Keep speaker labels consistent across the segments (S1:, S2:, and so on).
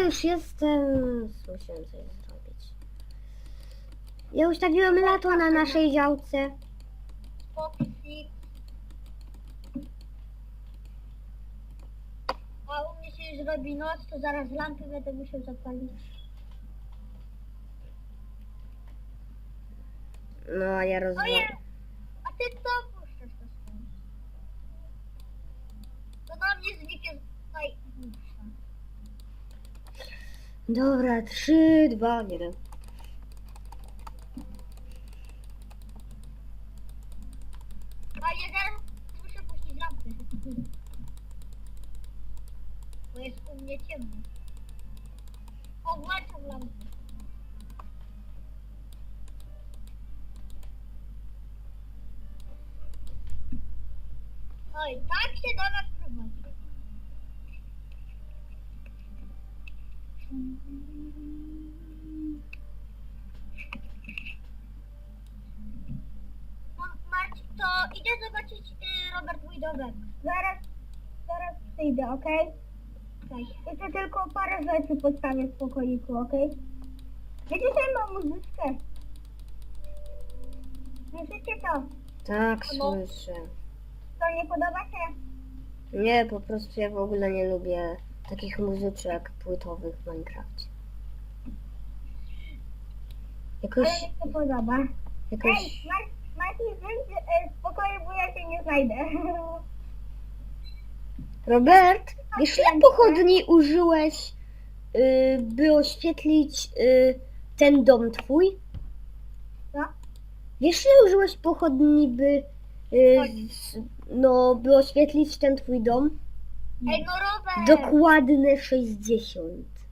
S1: już jestem. Musiałem coś zrobić. Ja ustawiłem lato na naszej działce.
S2: Foxy. A u mnie się już robi noc, to zaraz lampy będę musiał zapalić.
S1: No a ja
S2: Oje!
S1: rozmawiam.
S2: A ty co puszczasz to stąd? To na mnie zniknie tutaj puszcza.
S1: Dobra, 3, 2, 1.
S2: A ja zaraz muszę puścić lampy. Bo jest u mnie ciemno. O, włączam lampy. Oj, tak się do nas prowadzi. Marcin, to idę zobaczyć Robert mój domek. Zaraz przyjdę, okej? Okay? Jeszcze tylko parę rzeczy postawię w pokoiku, okej? Wiecie, że mam muzyczkę? Słyszycie to?
S1: Tak,
S2: No.
S1: słyszę.
S2: To nie podoba się?
S1: Nie, po prostu ja w ogóle nie lubię takich muzyczek płytowych w Minecrafcie.
S2: Ale mi się podoba.
S1: Jakoś...
S2: Ej, Marcin, wyjdź z pokoju, bo ja się nie znajdę.
S1: Robert, wiesz ile pochodni użyłeś, by oświetlić ten dom twój?
S2: Co?
S1: Wiesz ile użyłeś pochodni, by, by oświetlić ten twój dom?
S2: Ej, no Robert!
S1: Dokładne 60.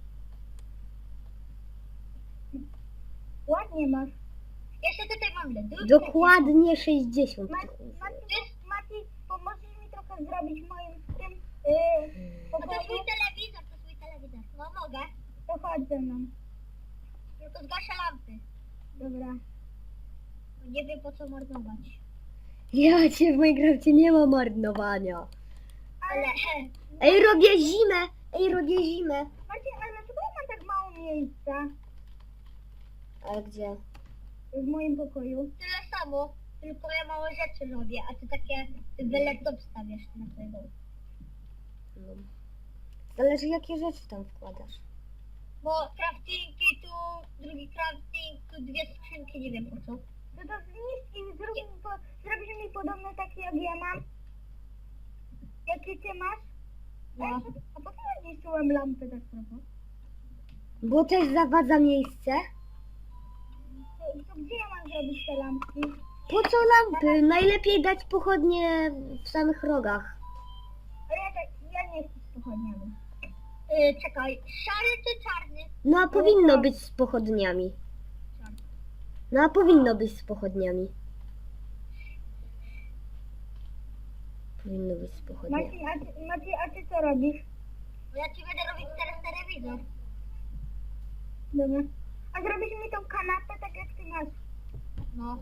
S2: Ładnie masz. Jeszcze tutaj mam lodówkę.
S1: Dokładnie 60.
S2: Mati, pomożesz mi trochę zrobić moim tym pokoju? To swój telewizor, No mogę. To chodź ze mną. Tylko zgaszę lampy. Dobra. Nie wiem po co marnować.
S1: Ja cię w Minecrafcie nie ma marnowania.
S2: Ale...
S1: Ej, robię zimę!
S2: Marcin, ale dlaczego ja mam tak mało miejsca
S1: Ale gdzie?
S2: w moim pokoju? Tyle samo, tylko ja małe rzeczy robię, a ty takie laptop stawiasz na tego.
S1: No. Zależy jakie rzeczy tam wkładasz.
S2: Bo craftingi tu, drugi crafting, tu dwie skrzynki, nie wiem po co. No to zniszcz i zrobisz mi podobne takie jak ja mam. Jakie ty masz? No. A po co ja zniszczyłem lampy tak trochę?
S1: Bo też zawadza miejsce.
S2: To gdzie ja mam zrobić te lampki?
S1: Po co lampy? Najlepiej dać pochodnie w samych rogach.
S2: Ale ja nie chcę z pochodniami. Czekaj, szary czy czarny?
S1: No a powinno być z pochodniami.
S2: Czarny.
S1: No a powinno być z pochodniami. Powinno być z pochodniami.
S2: Maciej, a ty co robisz? Bo ja ci będę robić teraz telewizor. Dobra. A zrobisz mi tą kanapę tak jak ty masz? No.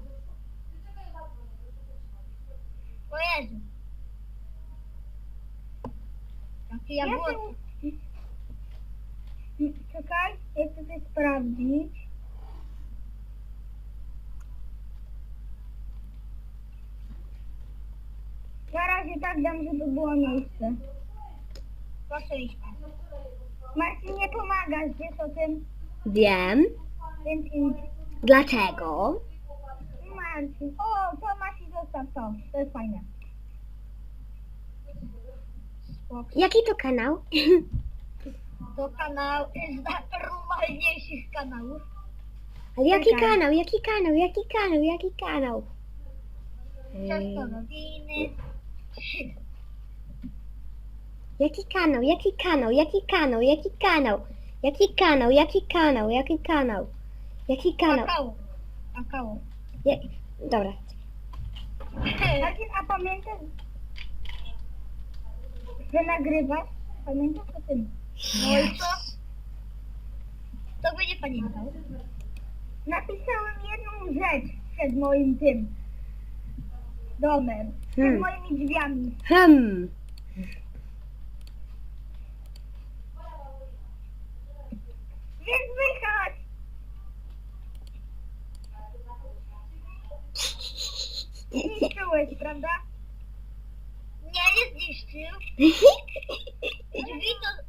S2: O Jezu. Jaki ja było? Czekaj, ja chcę coś sprawdzić. Na razie tak dam, żeby było miejsce. Proszę iść. Marcin, nie pomagasz, wiesz o tym?
S1: Wiem.
S2: Więc idź.
S1: Dlaczego?
S2: Marcin. O, to masz i zostaw to. To jest fajne. Spoko.
S1: Jaki to kanał?
S2: To kanał z najnormalniejszych kanałów.
S1: Ale jaki
S2: Czekaj.
S1: kanał? Jaki kanał?
S2: Ciasto nowiny.
S1: Jaki kanał? Jaki kanał? Jaki kanał? Jaki kanał? Jaki kanał? Jaki kanał? Jaki kanał? Jaki kanał?
S2: Kakao. Kakao.
S1: Dobra.
S2: Marcin, a pamiętasz, że nagrywasz? Pamiętasz o tym? No i co? To by nie pamiętał. Napisałem jedną rzecz przed moim tym domem. Przed moimi drzwiami. zniszczyłeś, prawda? Nie zniszczył. Drzwi to...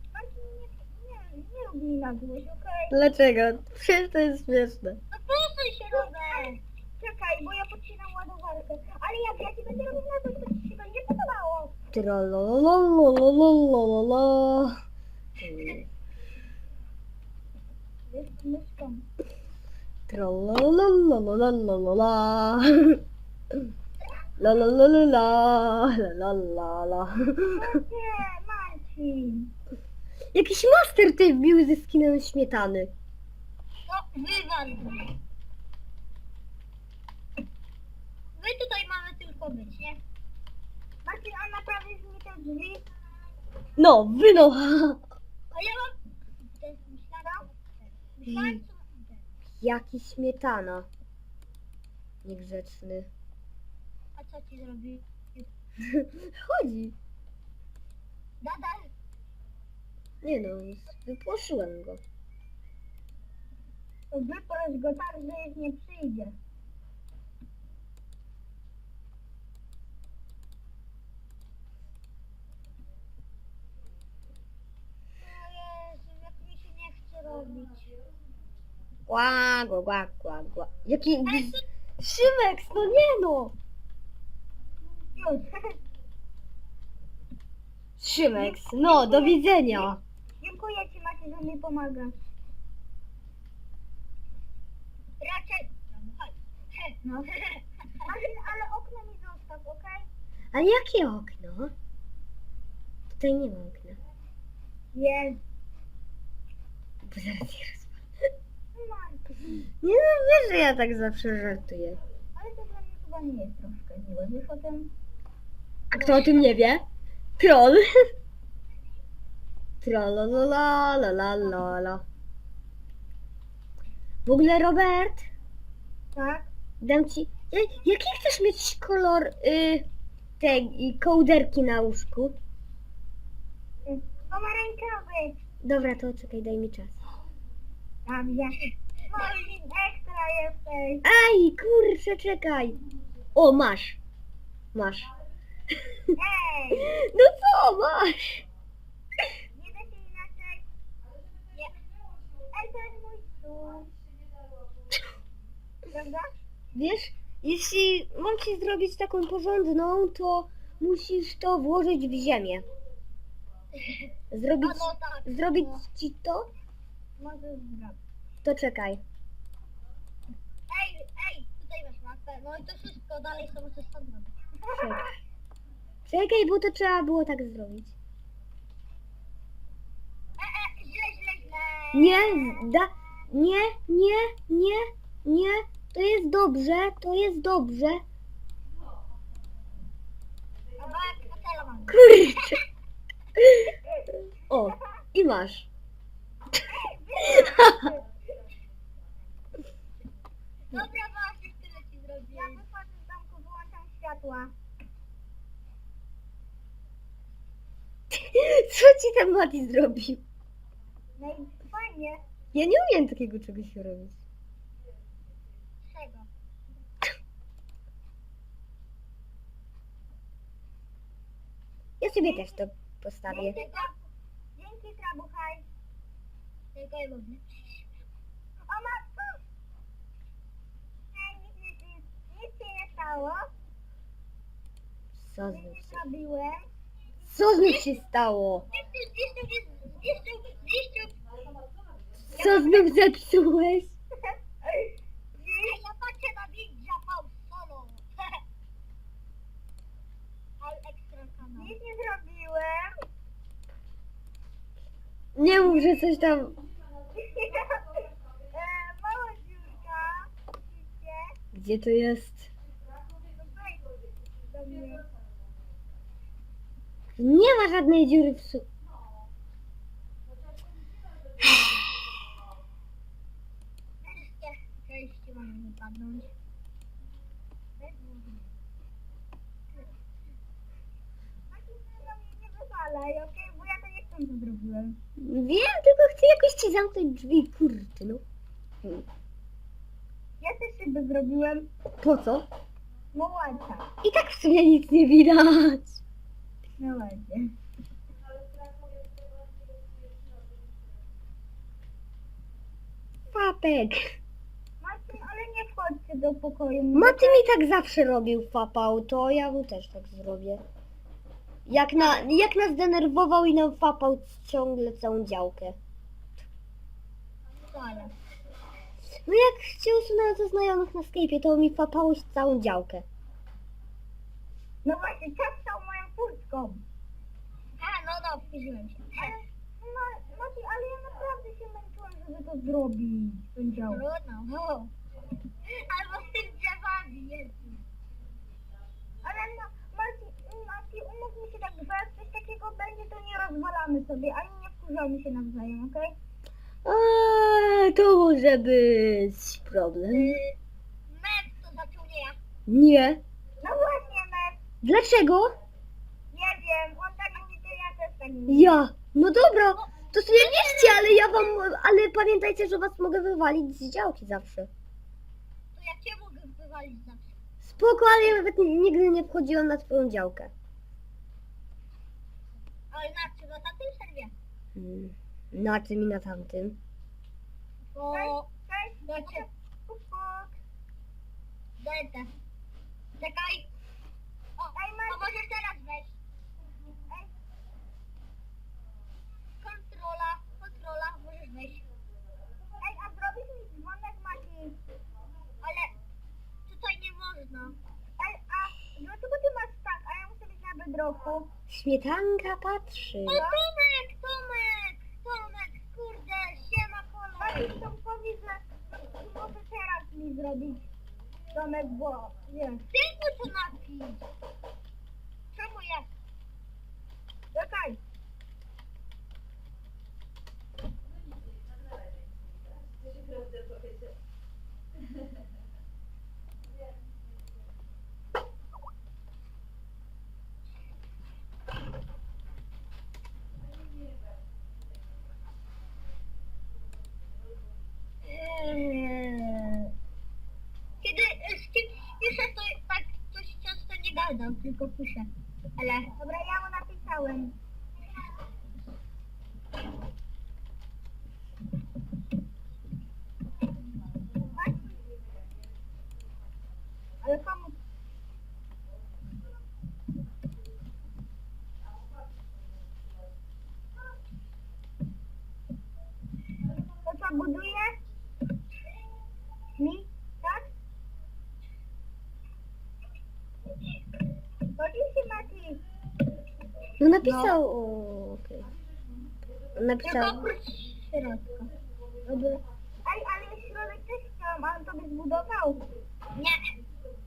S2: Nie rób mi na złość, okej?
S1: Dlaczego? Przecież to jest śmieszne.
S2: No proszę się, Robert. Czekaj, bo ja podcinam ładowarkę. Ale jak ja ci będę robił na to, to ci się będzie podobało.
S1: Trololololololololo.
S2: Jest myszką.
S1: Trololololololololala. La la la la la la la la.
S2: Nie, Marcin.
S1: Jakiś master tutaj wbił ze skinem śmietany.
S2: No, wywal. My tutaj mamy tylko być, nie? Marcin, a naprawisz mi te drzwi?
S1: No, wyno.
S2: A ja mam... To jest myślana? Myślałem, co...
S1: Jaki śmietana. Niegrzeczny.
S2: A co ci zrobił?
S1: Chodzi.
S2: Nadal?
S1: Nie no, wypłoszyłem go.
S2: To wyproś go tak, że już nie przyjdzie. O Jezu, jak mi się nie chce robić.
S1: Ła, gła, gła, gła, gła. Jaki... Szymek, no nie no.
S2: Już.
S1: Szymek, no, do widzenia.
S2: Dziękuję ci, Maciej, że mi pomagasz. Raczej... No. Ale okno mi zostaw, okej?
S1: Ale jakie okno? Tutaj nie ma okna.
S2: Jest.
S1: Bo zaraz je rozwalę.
S2: Marcin.
S1: Nie no, wiesz, że ja tak zawsze żartuję.
S2: Ale to dla mnie chyba nie jest troszkę miłe. Wiesz o tym?
S1: A kto o tym nie wie? Troll. Trololola, la la la la. W ogóle, Robert,
S2: Tak.
S1: dam ci... Jaki chcesz mieć kolor tej kołderki na łóżku?
S2: Pomarańczowy.
S1: Dobra, to czekaj, daj mi czas.
S2: Dobrze. Marcin, ekstra jesteś.
S1: Aj, kurczę, czekaj. O, masz. Masz.
S2: Ej.
S1: No co, masz?
S2: Nie da się inaczej. Nie. Ej, to jest mój stół. Prawda?
S1: Wiesz, jeśli mam ci zrobić taką porządną, to musisz to włożyć w ziemię. Zrobić,
S2: No tak.
S1: zrobić
S2: No.
S1: ci to?
S2: Możesz zrobić.
S1: To czekaj.
S2: Ej, tutaj masz mapę. No i to wszystko dalej sobie coś tam zrobić.
S1: Czekaj. Czekaj, bo to trzeba było tak zrobić.
S2: Źle.
S1: Nie, nie. To jest dobrze, to jest dobrze.
S2: Dobra, hotelu mam.
S1: Kurczę. O, i masz.
S2: Dobra, właśnie tyle ci zrobię. Ja wychodzę z domku, wyłączam światła.
S1: Co ci ten Mati zrobił?
S2: No i fajnie.
S1: Ja nie umiem takiego czegoś robić.
S2: Czego?
S1: Ja sobie też to postawię.
S2: Dzięki, Trabuchaj. Tylko i lubię. O matko! Ej, nic się nie stało.
S1: Co
S2: Nic
S1: znów
S2: nie
S1: się,
S2: zrobiłem.
S1: co znów się stało?
S2: Zniszczył.
S1: Co znów zepsułeś?
S2: Ej, ja patrzę na Ninja Pau Solo. Ale ekstra kanał. Nic nie zrobiłem.
S1: Nie mów, że coś tam...
S2: Mała dziurka. Widzicie?
S1: Gdzie to jest?
S2: No wejdź do mnie.
S1: Nie ma żadnej dziury w su...
S2: Wreszcie mam wypadnąć. Nie wywalaj, okej? Bo ja to nie chcę, co zrobiłem.
S1: Wiem, tylko chcę jakoś ci zamknąć drzwi, kurde, no.
S2: Ja też szybę zrobiłem.
S1: Po co?
S2: No ładnie.
S1: I tak w sumie nic nie widać.
S2: No ładnie.
S1: Papek.
S2: Marcin, ale nie wchodźcie do pokoju.
S1: Maty mi tak zawsze robił fapał, to ja mu też tak zrobię. Jak nas denerwował i nam fapał ciągle całą działkę.
S2: Wcale.
S1: No jak się usunąłem ze znajomych na Skype'ie, to mi fapało całą działkę.
S2: No właśnie, czapkał moją furtką. A, no wkurzyłem się. Ale, Mati, ale ja naprawdę się męczyłem, żeby to zrobić. Tą działkę. Trudno, albo z tym drzewami, Jezu. Ale no, Mati, umówmy się tak, że jak coś takiego będzie, to nie rozwalamy sobie, ani nie wkurzamy się nawzajem, okej?
S1: To może być problem.
S2: Met to zaczął nie ja.
S1: Nie.
S2: No właśnie, Met.
S1: Dlaczego?
S2: Nie wiem, on tak mówi, to ja też tak mówię.
S1: Ja. No dobra, to sobie wierzcie, ale pamiętajcie, że was mogę wywalić z działki zawsze.
S2: To ja cię mogę wywalić zawsze.
S1: Spoko, ale ja nawet nigdy nie wchodziłam na twoją działkę.
S2: Ale na czym? Na tamtym serwie?
S1: Na tym i na tamtym.
S2: Bo... Cześć, znaczy... Delta. Czekaj. O, możesz teraz wejść. Kontrola, możesz wejść. Ej, a zrobisz mi dzwonek, Mati? Ale tutaj nie można. Ej, a dlaczego ty masz tak, a ja muszę być na bedroku?
S1: Śmietanka patrzy.
S2: O, Tomek, kurde, siema kolor. Mati, Tomkowi, że może teraz mi zrobić Tomek, bo wiesz. Tylko to napisz. Czemu jest? Czekaj. Kiedy z kimś piszę, to tak coś często nie gadam, tylko piszę. Ale... Dobra, ja mu napisałem. Ale komu? To co, buduje? Mi? Tak? Oczywiście, Mati.
S1: No napisał. O, okej. Napisał.
S2: Tylko oprócz środka. Dobra. Ej, ale środek też chciałam, ale to by zbudował. Nie.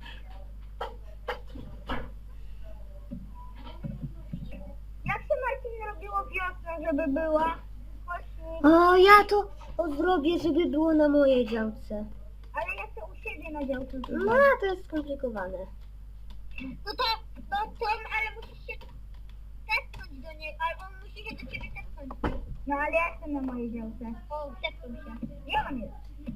S2: Jak się, Marcin, robiło wiosnę, żeby była? Właśnie.
S1: O, ja to zrobię, żeby było na mojej działce.
S2: Ale ja chcę u siebie na działce.
S1: No, to jest skomplikowane.
S2: No to ale musisz się tepnąć do niego, ale on musi się do ciebie tepnąć. No ale ja jestem na mojej działce. O, tepnął się. Gdzie on jest?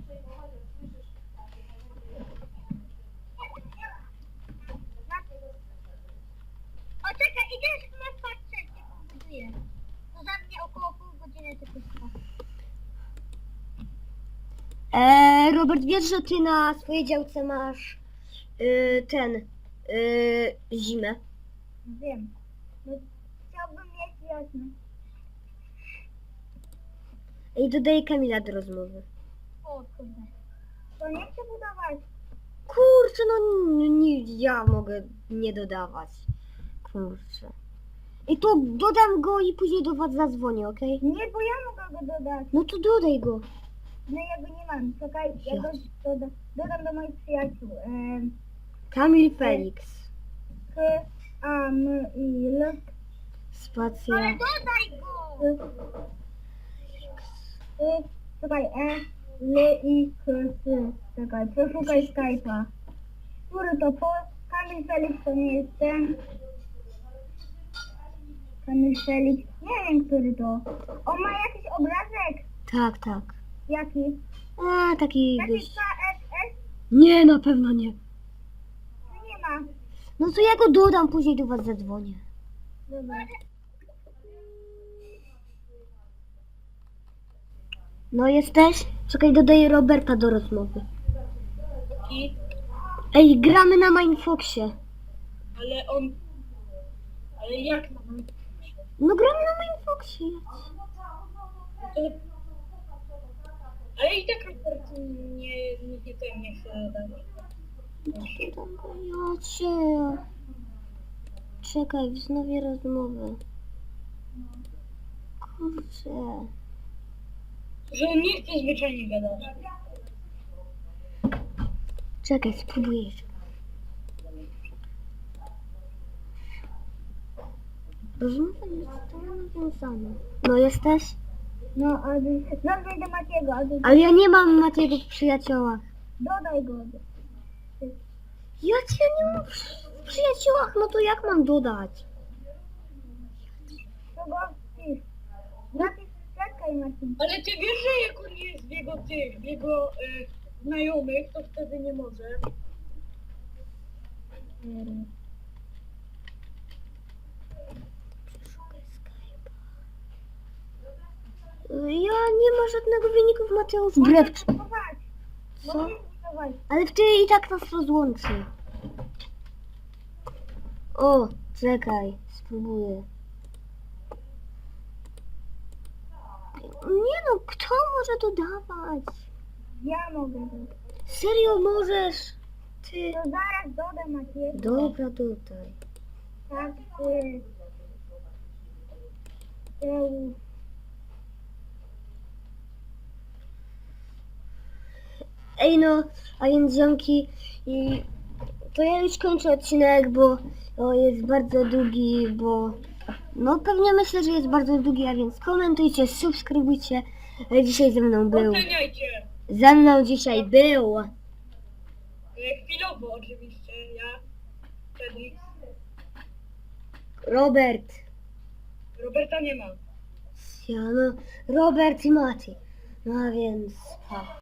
S2: O, czekaj, idziesz na patrzeć, jak on buduje. To za mnie około pół godziny tylko trwa.
S1: Robert, wiesz, że ty na swojej działce masz zimę.
S2: Wiem. No, chciałbym mieć wiosnę.
S1: I dodaję Kamila do rozmowy.
S2: O kurde. To nie chcę budować.
S1: Kurczę, no nie, ja mogę nie dodawać. Kurczę. I to dodam go i później do was zadzwonię, okej?
S2: Nie, bo ja mogę go dodać.
S1: No to dodaj go.
S2: No ja go nie mam. Czekaj, ja go dodam do moich przyjaciół.
S1: Kamil Felix.
S2: Kamil.
S1: Spacja.
S2: Ale dodaj go! Czekaj, Czekaj, przeszukaj Skype'a. Który to Kamil Felix to nie jest ten. Kamil Felix. Nie wiem, który to. On ma jakiś obrazek.
S1: Tak, tak.
S2: Jaki?
S1: A, taki
S2: Taki
S1: dość...
S2: KFS?
S1: Nie, na pewno nie.
S2: Czy nie
S1: No to ja go dodam, później do was zadzwonię.
S2: Dobra.
S1: No jesteś? Czekaj, dodaję Roberta do rozmowy.
S3: I,
S1: Ej, gramy na Mindfoxie.
S3: ale on... Ale jak na mnie?
S1: No gramy na Mindfoxie.
S3: Ale i tak Robert nie chce dać.
S1: Ja cię. Czekaj, wznowię rozmowę. Kurczę.
S3: Że on nie chce zwyczajnie gadać.
S1: Czekaj, spróbuję jeszcze. Rozmowa nie została nawiązana. No jesteś?
S2: No, ale nazwij do Matiego,
S1: Ale ja nie mam Matiego w przyjaciołach.
S2: dodaj go.
S1: Ja cię nie mam w przyjaciołach, no to jak mam dodać?
S2: To go wpisz. Napisz, czekaj Marcin.
S3: Ale ty wiesz, że jak on jest w jego znajomych, to wtedy nie może.
S1: Ja nie ma żadnego wyników Mateusz Brewcz.
S2: Zobacz.
S1: Co?
S2: Zobacz.
S1: Ale wtedy i tak nas rozłączy. O, czekaj, spróbuję. Nie no, kto może dodawać?
S2: Ja mogę to.
S1: Serio możesz? Ty.
S2: To zaraz dodam Matiego.
S1: Dobra, dodaj.
S2: Tak,
S1: Ej no, a więc ziomki, i to ja już kończę odcinek, bo jest bardzo długi, bo no pewnie myślę, że jest bardzo długi, a więc komentujcie, subskrybujcie. Dzisiaj
S3: Oceniajcie.
S1: ze mną dzisiaj był
S3: Chwilowo oczywiście, ja, Felix.
S1: Robert.
S3: Roberta nie ma.
S1: Ja no, Robert i Mati. No a więc, pa.